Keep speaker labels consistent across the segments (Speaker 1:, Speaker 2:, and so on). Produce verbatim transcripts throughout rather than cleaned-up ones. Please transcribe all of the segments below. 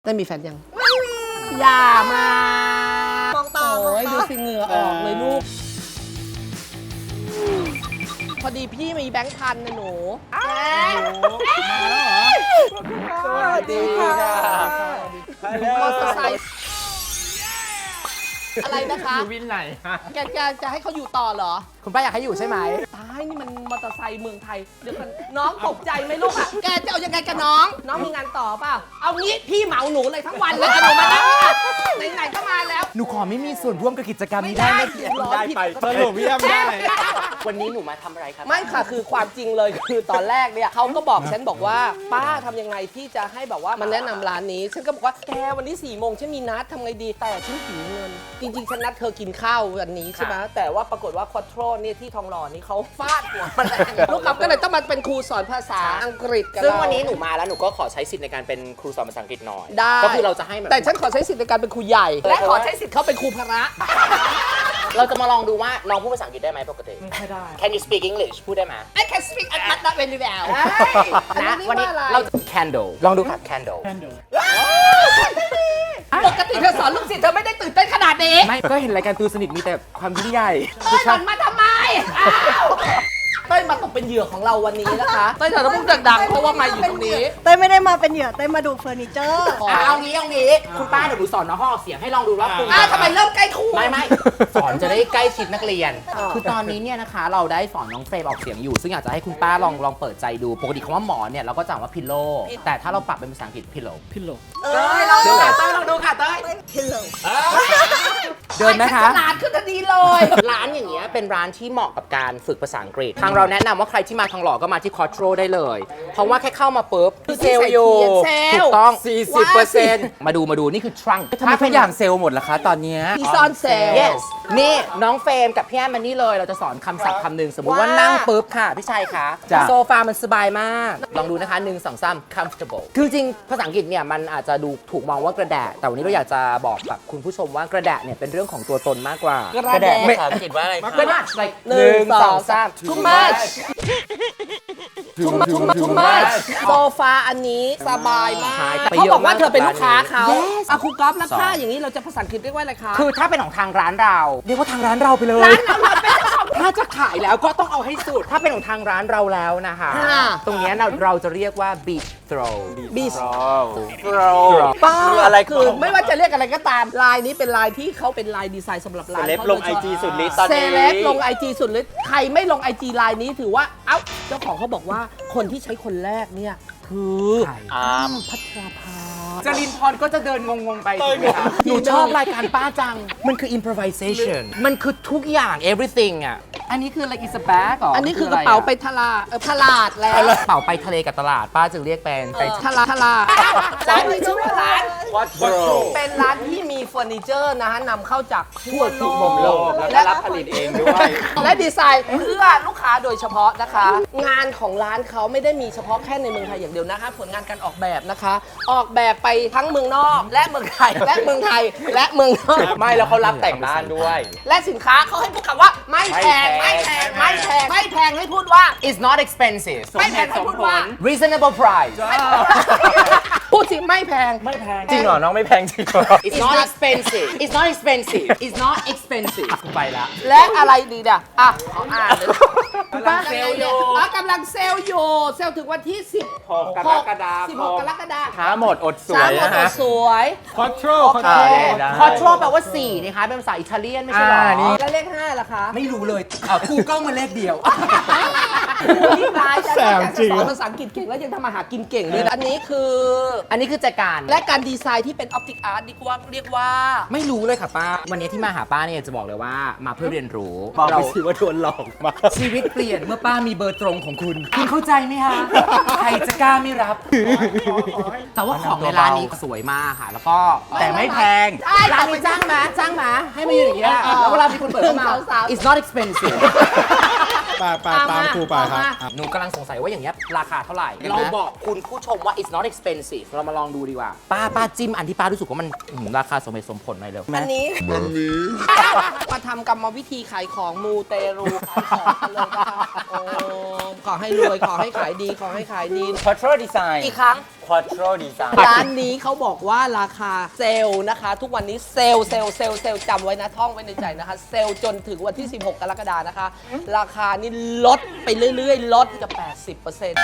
Speaker 1: ได้มีแฟนยังอย่ามาม
Speaker 2: องตา
Speaker 1: โอ้ยดูสิเหงื่อออกเลยลูก พอดีพี่มีแบงค์พันนะหนูมาแล้วเหรอ
Speaker 2: สวัสดีค่ะ
Speaker 1: มอเตอร์ไซค์อะไรนะคะ
Speaker 3: อยู่วินไหนฮะ
Speaker 1: แกจะจะให้เขาอยู่ต่อเหรอ
Speaker 3: คุณป้าอยากให้อยู่ใช่ไหม
Speaker 1: ตายนี่มันมอเตอร์ไซค์เมืองไทย เดี๋ยวกันน้องตกใจไหมลูกอ่ะ แกจะเอายังไงกับน้อง น้องมีงานต่อเปล่า เอางี้พี่เหมาหนูเลยทั้งวันเลยเอาหนูมานั่งเนี่ยไหนๆก็มาแล้ว
Speaker 3: หนูขอไม่มีส่วนร่วมกับกิจกรรมนี้ได้ไหม
Speaker 1: ร้อน
Speaker 3: ได้
Speaker 1: ผิด
Speaker 3: ไป
Speaker 1: ปกติ
Speaker 3: สรุปเยี่ยมได้
Speaker 4: วันนี้หนูมาทำอะไรครับ
Speaker 1: ไม่ค่ะคือความจริงเลยคือตอนแรกเนี่ยเขาก็บอกฉันบอกว่าป้าทำยังไงที่จะให้แบบว่ามันแนะนำร้านนี้ ฉันก็บอกว่าแกวันนี้สี่โมงฉันมีนัดทำไงดีแต่ฉันหิวเงิน จริงๆฉันนัดเธอกินข้าววันนี้ใช่ไหมแต่ว่าปรากฏว่าควอโทรเนี่ยที่ทองหล่อนี่เขาฟาดหัวมันแรงลูกกับก็เลยต้องมาเป็นครูสอนภาษาอังกฤษกับ
Speaker 4: ซึ่ง
Speaker 1: เรา
Speaker 4: วันนี้หนูมาแล้วหนูก็ขอใช้สิทธิ์ในการเป็นครูสอนภาษาอังกฤษหน่อย
Speaker 1: ได้
Speaker 4: ก็คือเราจะให้แบบ
Speaker 1: แต่ฉันขอใช้สิทธิ์ในการเป็นครูใหญ่ และขอใช้สิทธิ์เขาเป็นครูพระ
Speaker 4: เราจะมาลองดูว่าน้องพูดภาษาอังกฤษได้ไหมปกติ
Speaker 3: ไม่ได้
Speaker 4: Can you speak English พูดได้ไหม
Speaker 1: I can speak but not very well
Speaker 4: นะ
Speaker 1: วั
Speaker 4: วัน น
Speaker 1: นี้
Speaker 4: นี้
Speaker 1: เรา
Speaker 4: เราจะ candle ลองดูค่ะ candle
Speaker 1: ปกติเธอสอนลูกศิษย์เธอไม่ได้ตื่นเต้นขนาดนี้
Speaker 3: ไม่ก็เห็นรายการตูสนิทมีแต่ความยิ่งใหญ่
Speaker 1: เต้ยหล่อนมาทำไมอ้าวเต้ยมาตกเป็นเหยื่อของเราวันนี้นะคะเต้ยเธอต้องพูดดังๆเพราะว่ามาอยู่ตรงนี้
Speaker 2: เต้ยไม่ได้มาเป็นเหยื่อเต้ยมาดูเฟอร์นิเจอร์
Speaker 4: อ่ะเอางี้เอางี้คุณป้าเดี๋ยวหนูสอนน้องห้องออกเสียงให้ลองดูว่าคุณ
Speaker 1: อ้าวทำไมเริ่มใกล้คู่
Speaker 4: ไม่ไม่สอนจะได้ใกล้ชิดนักเรียน คือตอนนี้เนี่ยนะคะเราได้สอนน้องเฟรมออกเสียงอยู่ ซึ่งอยากจะให้คุณป้าลองลองเปิดใจดูปกติคำว่าหมอนเนี่ยเราก็จะอ่านว่าพิลโลแต่ถ้าเราปรับเป็นภาษาอังกฤษพิลโล
Speaker 3: พิโล
Speaker 1: เต้ยลองดูค่ะเต้ยลองดูค่ะเต้ย
Speaker 2: พิลโล
Speaker 3: เดินไหมคะ
Speaker 1: ฉลาดขึ้นทันทีเลย
Speaker 4: ร้านอย่างเงี้ยเป็นร้านที่เหมาะกับการฝึกภาษาอังกฤษ ทางเราแนะนำว่าใครที่มาทองหล่อก็มาที่คอร์ทโรได้เลย เพราะว่าแค่เข้ามาปุ๊บเซลล์อยู่
Speaker 1: เซลล์
Speaker 4: ถูกต้อง
Speaker 3: สี่สิบเปอร์เซ็นต์
Speaker 4: มาดูมาดูนี่คือทรัง
Speaker 3: ทำไมทุกอย่างเซลล์หมดล่ะคะตอนเนี้ย
Speaker 1: มีซ่อนเซลล์
Speaker 4: yes นี่น้องเฟรมกับพี่แอมมานี่เลยเราจะสอนคำศัพท์คำหนึ่งสมมุติว่า
Speaker 1: ว่า
Speaker 4: นั่งปุ๊บค่ะพี่ชัยคะ
Speaker 3: จ้ะ
Speaker 4: โซฟามันสบายมาก ลองดูนะคะหนึ่งสองสาม comfortable คือจริงภาษาอังกฤษเนี่ยมันอาจจะดูถูกมองว่ากระแดะแต่วันนี้เราอยากจะบอกกับคุณผู้ชมว่ากระแดะเนี่ยเป็นเรื่องของตัวตนมากกว่าก
Speaker 1: ระแดะ
Speaker 4: ภาษาอังกฤษว่าอะไรคะกระแดะ like
Speaker 1: หนึ่งสองสาม
Speaker 4: too much
Speaker 1: too much too much too much โซฟาอันนี้สบายมาก
Speaker 4: ขายไป
Speaker 1: เขา
Speaker 4: เยอะ
Speaker 1: บอกว่า
Speaker 4: มาก
Speaker 1: เธอเป็นลูกค้าเขา
Speaker 4: Yes
Speaker 1: อ่ะครูก๊อฟแล้ว
Speaker 4: สอน
Speaker 1: ค่าอย่างนี้เราจะภาษาอังกฤษเรียกว่าอะไรคะ
Speaker 4: คือถ้าเป็นของทางร้านเรา
Speaker 3: เรียกว่าทางร้านเราไปเลย
Speaker 4: ถ้าจะขายแล้วก็ต้องเอาให้สุด ถ้าเป็นของทางร้านเราแล้วนะคะ
Speaker 1: ค่ะ
Speaker 4: ตรงเนี้ยเราเราจะเรียกว่า beach throw
Speaker 1: บีส
Speaker 4: throw
Speaker 1: ป้า
Speaker 4: คืออะไร
Speaker 1: คือไม่ว่าจะเรียกอะไรก็ตามลายนี้เป็นลายที่เขาเป็นลายดีไซน์สำหรับร้าน
Speaker 4: เซเลบ
Speaker 1: ขา
Speaker 4: ลง IG สุดฤทธิ์ตอนนี้
Speaker 1: เซเลบลงไอจีสุดฤทธิ์ใครไม่ลงไอจีลายนี้ถือว่าเอ้าเจ้าของเขาบอกว่าคนที่ใช้คนแรกเนี่ยคือ
Speaker 4: อ่า
Speaker 1: พัทราภา
Speaker 3: จรินพรก็จะเดินงงๆไปใช่ไหมคะ
Speaker 4: หนูชอบรายการป้าจัง มันคือ improvisation มันคือทุกอย่าง everything อ่ะ
Speaker 3: อันนี้คืออะไรอิสแบ็กเหรอ
Speaker 1: อั
Speaker 3: อั
Speaker 1: นนี้คือกระเป๋าไปทลาเออตลาดแล้ว
Speaker 4: กระเป๋าไปทะเลกับตลาด ป้าจึงเรียกเป็นไป
Speaker 1: ทลาทลาร้านนี้ชื่อว่าร้าน
Speaker 4: วัดโร
Speaker 1: เป็นร้านที่มีเฟอร์นิเจอร์นะฮะนำเข้าจากทั่ว
Speaker 4: ทุกมุมโลกแล้วก็รับผลิตเองด้วย
Speaker 1: และดีไซน์เพื่อลูกค้าโดยเฉพาะนะคะ งานของร้านเขาไม่ได้มีเฉพาะแค่ในเมืองไทยอย่างเดียวนะคะ ผลงานการออกแบบนะคะ ออกแบบไปทั้งเมืองนอก และเมืองไทย และเมืองไทยและเมืองนอก
Speaker 4: ไม่แล้วเขารับแต่งบ้านด้วย
Speaker 1: และสินค้าเขาให้พูดคำว่าไม่แพง
Speaker 4: ไม่
Speaker 1: ไม่
Speaker 4: แพ
Speaker 1: แพ
Speaker 4: ง
Speaker 1: งไม่แพงไม่แพงให้พูดว่า
Speaker 4: it's not expensive
Speaker 1: ไม่แพงให้พูดว่า
Speaker 4: reasonable price
Speaker 1: พูดสิไม่แพง
Speaker 3: ไม่แพง
Speaker 4: จริงเหรอ น้องไม่แพงจริงเหรอ it's not expensive it's not expensive it's not expensive ไปละ
Speaker 1: และอะไรดีด่ะอ่ะขออ่านเลย
Speaker 3: ป้าเซลล์อยู่
Speaker 1: อ๋อกำลังเซลล์อยู่เซลล์ถึงวันที่สิบ
Speaker 3: หกกรกฎาคม
Speaker 1: สิบหกกรกฎาคม
Speaker 3: ช้าหมดอดสว
Speaker 1: ช้าย หมด
Speaker 3: นะ
Speaker 1: ตัว
Speaker 3: ฮะ
Speaker 1: สวย
Speaker 3: คอทร
Speaker 1: โอเค
Speaker 4: คอทโรแปลว่าสี่นะคะเป็นภาษาอิตาเลียนไม่ใช่เหรอ
Speaker 3: อ่านี่
Speaker 1: แล้วเลขห้าล่ะคะ
Speaker 3: ไม่รู้เลยอ่ะกูเก้ามาเลขเดียว
Speaker 1: ยิ่งร้ายจะ
Speaker 3: แสบจริง
Speaker 1: สอนภาษาอังกฤษเก่งแล้วยังทำอาหารกินเก่งด้วยนะอันนี้คือ
Speaker 4: อันนี้คือจัดการ
Speaker 1: และการดีไซน์ที่เป็นออปติกอาร์ตดีกว่าเรียกว่า
Speaker 4: ไม่รู้เลยค่ะป้า วันนี้ที่มาหาป้าเนี่ยจะบอกเลยว่ามาเพื่อเรียนรู้
Speaker 3: บอกไป
Speaker 4: เรา
Speaker 3: สิว่าโดนหลอกมา ชีวิตเปลี่ยนเมื่อป้ามีเบอร์ตรงของคุณ คุณเข้าใจไหมฮะ ใครจะกล้าไม่รับ
Speaker 4: แต่ว่าของในร้านนี้สวยมากค่ะ แล้วก็
Speaker 3: แต่ไม่แพง
Speaker 1: ใช่
Speaker 4: ร้านนี้จ้างมาจ้างมาให้มาอยู่อย่างเงี้ยแล้วเวลามีคนเปิดเข้ามา
Speaker 1: สาวๆ
Speaker 4: it's not expensive
Speaker 5: ไปไปตามครูไปครับ
Speaker 4: หนูกำลังสงสัยว่าอย่างเงี้ยราคาเท่าไหร่ เราบอกคุณผู้ชมว่า it's not expensive เรามาลองดูดีกว่า ป้าป้าจิ้มอันที่ป้ารู้สึกว่ามันอื้อหือราคาสมเหตุสมผลหน่อยเร็ว
Speaker 1: อันนี้มาทำกรรมวิธีขายของมูเตรูขายของกันเลยนะคะโอ้ขอให้รวยขอให้ขายดีขอให้ขายดี
Speaker 4: Quattro Design
Speaker 1: อีกครั้ง
Speaker 6: Quattro Design
Speaker 1: ร้านนี้เขาบอกว่าราคาเซลล์นะคะ ทุกวันนี้เซลล์เซลล์เซลล์เซลล์จำไว้นะท่องไว้ในใจนะคะ เซลล์จนถึงวันที่ สิบหก กรกฎาคมนะคะ ราคานี่ลดไปเรื่อยๆ ลดจะ แปดสิบเปอร์เซ็นต์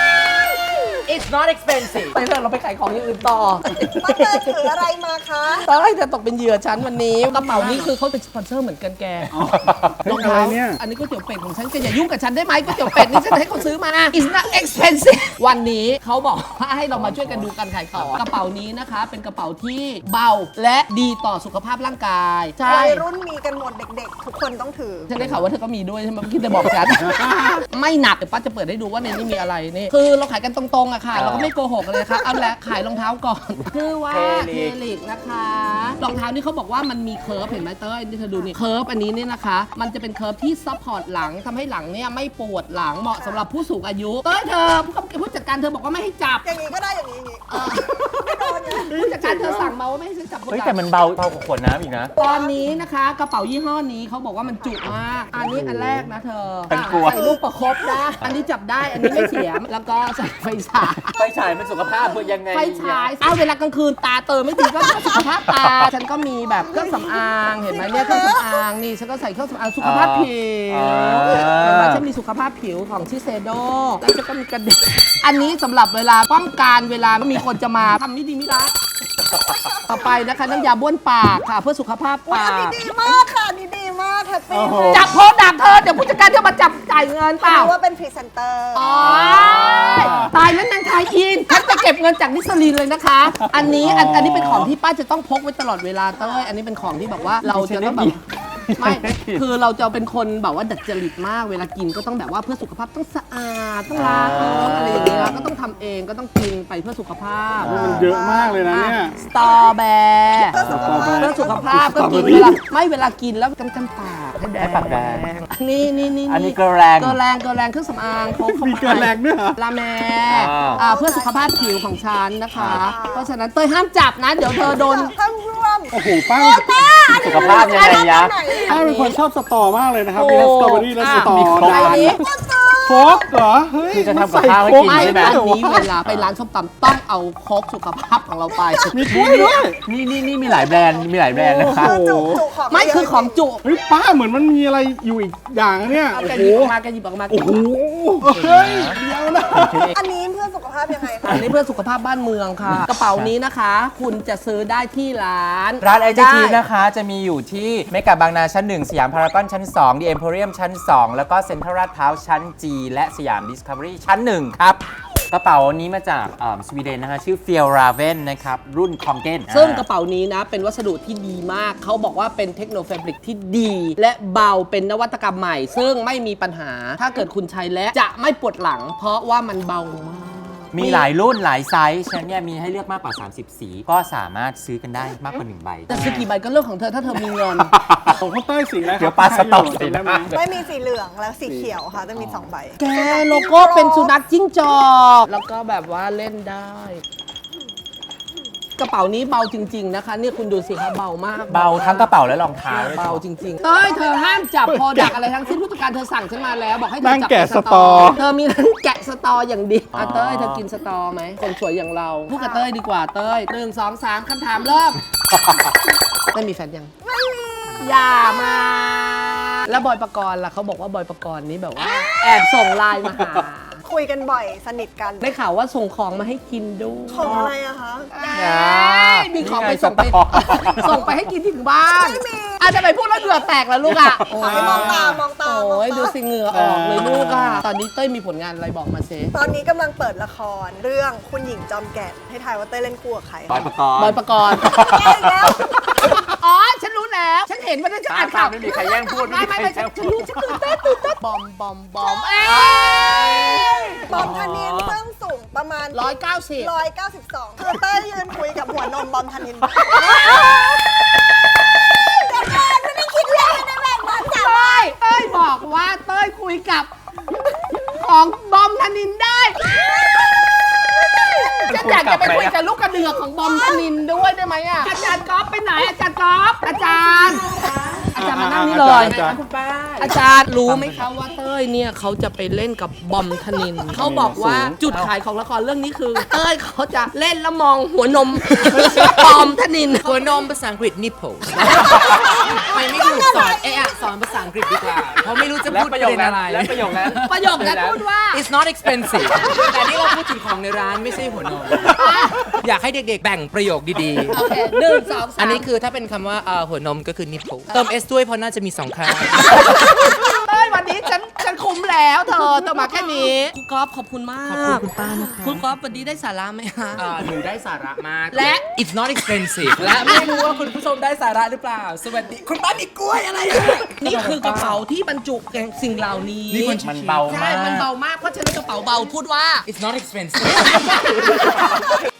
Speaker 4: It's not expensive
Speaker 1: ไปเถอะเราไปขายของอย่างอื่นต่อ
Speaker 2: ป้าเตยถืออะไรมาคะ
Speaker 1: ตอนแรกจะตกเป็นเหยื่อฉันวันนี้กระเป๋านี้คือเขาเป็นสปอนเซอร์เหมือนกันแกรองเท้าอันนี้ก๋วยเตี๋ยวเป็ดของฉันแกอย่ายุ่งกับฉันได้ไหมก๋วยเตี๋ยวเป็ดนี่ฉันให้เขาซื้อมา It's not expensive วันนี้เขาบอกว่าให้เรามาช่วยกันดูการขายของกระเป๋านี้นะคะ เป็นกระเป๋าที่เบาและดีต่อสุขภาพร่างกายใช่
Speaker 2: วัยรุ่นมีกันหมดเด็กๆ ทุกคนต้องถือ
Speaker 1: ฉันได้ข่าวว่าเธอก็มีด้วยใช่ไหมเมื่อกี้เธอบอกฉัน ไม่หนักเดี๋ยวป้าจะเปิดให้ดูว่าในนี้มีอะไรนี่คือเราขายกันตรงๆอะค่ะ เราก็ไม่โกหกเลยค่ะเอาละขายรองเท้าก่อนคือว่าเทลิกนะคะรองเท้านี่เขาบอกว่ามันมีเคิร์ฟเห็นไหมเต้ยนี่เธอดูนี่เคิร์ฟอันนี้เนี่ยนะคะ มันจะเป็นเคิร์ฟที่ซัพพอร์ตหลังทำให้หลังเนี่ยไม่ปวดหลังเหมาะสำหรับผู้สูงอายุเต้ยเธอผู้จัดการเธอบอกว่าไม่ให้จับ
Speaker 2: อย่างนี้ก็ได้อย่างนี้อย่างนี้ไม่โดนไง
Speaker 1: ผู้จัดการเธอสั่งมาว่าไม่ให้ฉันจับ
Speaker 6: เฮ้ยแต่มันเบาเบากว่าขวดน้ำอีกนะ
Speaker 1: ตอนนี้นะคะกระเป๋ายี่ห้อนี้เขาบอกว่ามันจุมากอันนี้อันแรกนะเธอ
Speaker 6: ฉันกลัว
Speaker 1: ใส่ลูกประคบได้อันนี้จับได้อันนี้ไม่เสียแล้วก็ใส่ไฟฉาย
Speaker 6: ไฟฉายมันสุขภาพเพื่อยังไง
Speaker 1: ไฟฉายเอาเวลากลางคืนตาเติมไม่ดีก็สุขภาพตา ฉันก็มีแบบเครื่องสำอางเห็นไหมเนี่ยเครื่องสำอางนี่ฉันก็ใส่เครื่องสำอางสุขภาพผิวเห็นไหมฉันมีสุขภาพผิวของชิเซโดแล้วฉันก็มีกระเด็นอันนี้สำหรับเวลาป้องกันเวลามีคนจะมาทำไม่ดีไม่ร้ายต่อไปนะคะน้ำยาบ้วนปากค่ะเพื่อสุขภาพ
Speaker 2: อุ๊ย
Speaker 1: ปา
Speaker 2: อันนี้
Speaker 1: ก
Speaker 2: ดีมากค่ะอันนี้ดีมากแฮปปี้
Speaker 1: จับโพสต์ดักเธอเดี๋ยวผู้จัดการเธอมาจับจ่ายเงินเปล่า
Speaker 2: เพราะว่าเป็นพรีเซนเตอร์
Speaker 1: อ๋อตายแล้วนางทายอินฉันจะเก็บเงินจากนิสลีนเลยนะคะ อันนี้อันอันนี้เป็นของที่ป้าจะต้องพกไว้ตลอดเวลาเต้ยอันนี้เป็นของที่แบบว่าเราจะต้องแบบไม่คือเราจะเป็นคนแบบว่าดัดจริตมากเวลากินก็ต้องแบบว่าเพื่อสุขภาพต้องสะอาดต้องล้างอะไรอย่างเงี้ยก็ต้องทำเองก็ต้องกินไปเพื่อสุขภาพ
Speaker 5: มันเยอะมากเลยนะเนี่ย
Speaker 1: สตอแบร์
Speaker 2: เพื่อสุขภาพ
Speaker 1: เพื่อสุขภาพก็กินเวลาไม่เวลากินแล้วกันกันปากให้แดง
Speaker 6: ให้ปากแดง
Speaker 1: นี่นี่นี่
Speaker 6: อันนี้เกลือแรง
Speaker 1: เกลือแรงเกลือแรงเครื่องสำอางพกเข้า
Speaker 5: มี
Speaker 1: ไป
Speaker 5: เกลือแรงด้วยเหรอ
Speaker 1: ลาแม
Speaker 6: อ่า
Speaker 1: อ่าเพื่อสุขภาพผิวของฉันนะคะ เพราะฉะนั้นเต้ยห้ามจับนะ เดี๋ยวเธอโดน
Speaker 2: ท่านร่วม
Speaker 5: โอ้โหป้า
Speaker 6: สุขภาพยังไงยะ
Speaker 5: ป้าเป็นคนชอบสตอมากเลยนะครับ มีทั้งสตรอเบอรี่และสตอ
Speaker 6: มีครบ
Speaker 5: ดา
Speaker 1: อัน
Speaker 5: น
Speaker 1: นี้
Speaker 5: โคกเหรอ เฮ้ย
Speaker 6: คือจะทำกับ
Speaker 5: ใส่
Speaker 6: ข้าวให้
Speaker 5: โค
Speaker 6: กิน
Speaker 1: ไม่
Speaker 6: ใช่ไหม
Speaker 1: อันนี้เวลาไปร้านส้มตำต้องเอาโค้กสุขภาพของเราไป
Speaker 5: มีกล้วยด้วย
Speaker 6: นี่นี่นี่มีหลายแบรนด์มีหลายแบรนด์นะคะ
Speaker 2: คือจุจุของ
Speaker 1: ไม่คือของจุ
Speaker 5: เฮ้ยป้าเหมือนมันมีอะไรอยู่อีกอย่างนะเนี่ย
Speaker 1: เอา
Speaker 5: โอ้
Speaker 1: แก
Speaker 5: โห
Speaker 1: หยิบออกมาแกหยิบออกมา
Speaker 5: โอ้โห เฮ้ย เดี๋ยวนะ
Speaker 2: อันนี้เพื่อสุขภาพยังไงคะ
Speaker 1: อันนี้เพื่อสุขภาพบ้านเมืองค่ะ กระเป๋านี้นะคะ คุณจะซื้อได้ที่ร้าน
Speaker 6: ร้านไอ
Speaker 1: ได้
Speaker 6: จีนะคะจะมีอยู่ที่เมกะบางนาชั้นหนึ่งสยามพารากอนชั้นสองดีเอ็มโพเรียมชั้นสองแล้วก็เซ็นทรัลลาดพร้าวชั้น G และสยามดิสคัฟเวอรี่ชั้นหนึ่งครับ กระเป๋านี้มาจากเอิ่มสวีเดนนะคะ ชื่อ f i e l r a v e n นะครับ รุ่น Kongen
Speaker 1: ซึ่งกระเป๋านี้นะ เป็นวัสดุที่ดีมาก เขาบอกว่าเป็นเทคโนแฟบริกที่ดี และเบาเป็นนวัตกรรมใหม่ ซึ่งไม่มีปัญหา ถ้าเกิดคุณใช้แล้วจะไม่ปวดหลัง เพราะว่ามันเบามาก
Speaker 6: มีหลายรุ่นหลายไซส์ฉะนันเนี่ยมีให้เลือกมากกว่า สามสิบ สี ก็สามารถซื้อกันได้มากกว่าหนึ่งใบ
Speaker 1: จะซื้อกี่ใบก็เรื่องของเธอถ้าเธอมีเงิน
Speaker 5: ของข้าวเต้ยสีอะไรครับ
Speaker 6: เดี๋ยวปลาสต็อกสี
Speaker 5: ได้ไหม
Speaker 6: นะ
Speaker 2: ไม่มีสีเหลืองและสีเขียวค่ะจะมีสองใบ
Speaker 1: แกโลโก้เป็นสุนัขจิ้งจอก แล้วก็แบบว่าเล่นได้ กระเป๋านี้เบาจริง ๆ นะคะเนี่ยคุณดูสิคะเบามาก
Speaker 6: เบาทั้งกระเป๋าและรองเท้าด้วย
Speaker 1: เบาจริงๆเต้ยเธอห้ามจับพอดักอะไรทั้งสิ้นผู้จัดการเธอสั่งฉันมาแล้ว บอกให้เธอ
Speaker 5: นั่ง
Speaker 1: จับ
Speaker 5: แกะ
Speaker 1: แต่
Speaker 5: สตอ
Speaker 1: เธอมีนั่งแกะสตออย่างเดียวอ่ะเต้ยเธอกินสตอไหมคนสวยอย่างเราพูดกับเต้ยดีกว่าเต้ยหนึ่งสองสามคำถามเริ่ม ไม่มีแฟนยัง ไม่มี อย่ามา แล้วบอยปกรณ์ล่ะเขาบอกว่าบอยปกรณ์นี้แบบว่า แอบส่งไลน์มาหา
Speaker 2: คุยกันบ่อยสนิทกัน
Speaker 1: ได้ข่าวว่าส่งของมาให้กินด้วย
Speaker 2: ของอะไรอะคะ
Speaker 1: มีของไปส่งไป
Speaker 6: นี่ไงสตอ
Speaker 1: ส่งไปให้กินถึงบ้านอาจจะไปพูดแล้วเหงื่อแตกแล้วลูกอ่ะ
Speaker 2: ขอให้มองตามองตาม
Speaker 1: โอ้ย
Speaker 2: มองตาม
Speaker 1: ดูสิเหงื่อออกเลยลูกอ่ะ ตอนนี้เต้ยมีผลงานอะไรบอกมาเซ
Speaker 2: ตอนนี้กำลังเปิดละครเรื่องคุณหญิงจอมแก่นให้ทายว่าเต้ยเล่นคู่กับใคร
Speaker 6: บอยประกอบบ
Speaker 1: อยปกรณ์
Speaker 2: ใช่แล้ว
Speaker 1: อ๋อ ฉันรู้แล้ว ฉันเห็นวันนั้นฉันอ่านข่าว
Speaker 6: ไม่มีใครแย่งพูด
Speaker 1: ไม่ไม่ไม่ฉันฉันรู้ฉันตื่นเต้นตื่นเต้นบอมบอมบอมเอ้ย
Speaker 2: บอมธนินซึ่งสูงประมาณ
Speaker 1: ร้อยเก้าสิบ
Speaker 2: ร้อยเก้าสิบสองคือเต้ยยืนคุยกับหัวนมบอมธนินเดี๋ยวก่อนไม่ได้คิดเลยในแบบนั้นจ้ะ
Speaker 1: เต้ยเต้ยบอกว่าเต้ยคุยกับ ของบอมธนินได้ฉันอยากจะไปคุยกับลูกกระเดือกของบอมธนินด้วยได้ไหมอ่ะอาจารย์ก๊อฟไปไหนอาจารย์ก๊อฟอาจารย์ อาจารย์มานั่งนี่เลย
Speaker 5: อาจารย์
Speaker 1: คุณป้าอาจารย์รู้ไหมคะว่าเต้ยยเนี่ยเขาจะไปเล่นกับบอมธนินทร์เขาบอกว่าจุดขายของละครเรื่องนี้คือ เต้ยเขาจะเล่นแล้วมองหัวนม บอมธนินทร์
Speaker 4: หัวนมภาษาอังกฤษ nipple ทำไมไม่ถูกสอนเอะอะสอนภาษาอังกฤษดีกว่าเพราะไม่รู้จะ
Speaker 6: และ
Speaker 4: พูด
Speaker 6: ประโยค
Speaker 4: เน
Speaker 6: นั้น
Speaker 4: อะไร
Speaker 6: และประโยคนั้น
Speaker 1: ประโยคนั้นพูดว่า
Speaker 4: It's not expensive แต่นี่เราพูดถึงของในร้านไม่ใช่หัวนม อยากให้เด็กๆ แบ่งประโยคดี
Speaker 1: โอเคหนึ่งสองสาม
Speaker 4: ๆ อันนี้คือถ้าเป็นคำว่าเอ่อหัวนมก็คือ nipple เติม S ด้วยเพราะน่าจะมีสองครั้ง
Speaker 1: เต้ยวันนี้ฉันฉันคุ้มแล้วเธอต้องมาแค่นี้คุณก๊อฟขอบคุณมาก
Speaker 4: ขอบคุณคุณป้านะคะ
Speaker 1: คุณก๊อฟวันนี้ได้สาระไหมฮะ
Speaker 4: เอ่อหนูได้สาระมาก
Speaker 1: และ
Speaker 4: It's not expensive และไม่รู้ว่าคุณผู้ชมได้สาระหรือเปล่า สวัสดี คุณป้ามีกล้วยอะไรอ่ะ
Speaker 1: นี่คือกระเป๋าที่บรรจุสิ่งเหล่านี้
Speaker 4: นี่คน
Speaker 6: มันเบา
Speaker 1: ใช่
Speaker 6: มาก
Speaker 1: มันเบามากเพราะฉะนั้นกระเป๋าเบาพูดว่า
Speaker 4: It's not expensive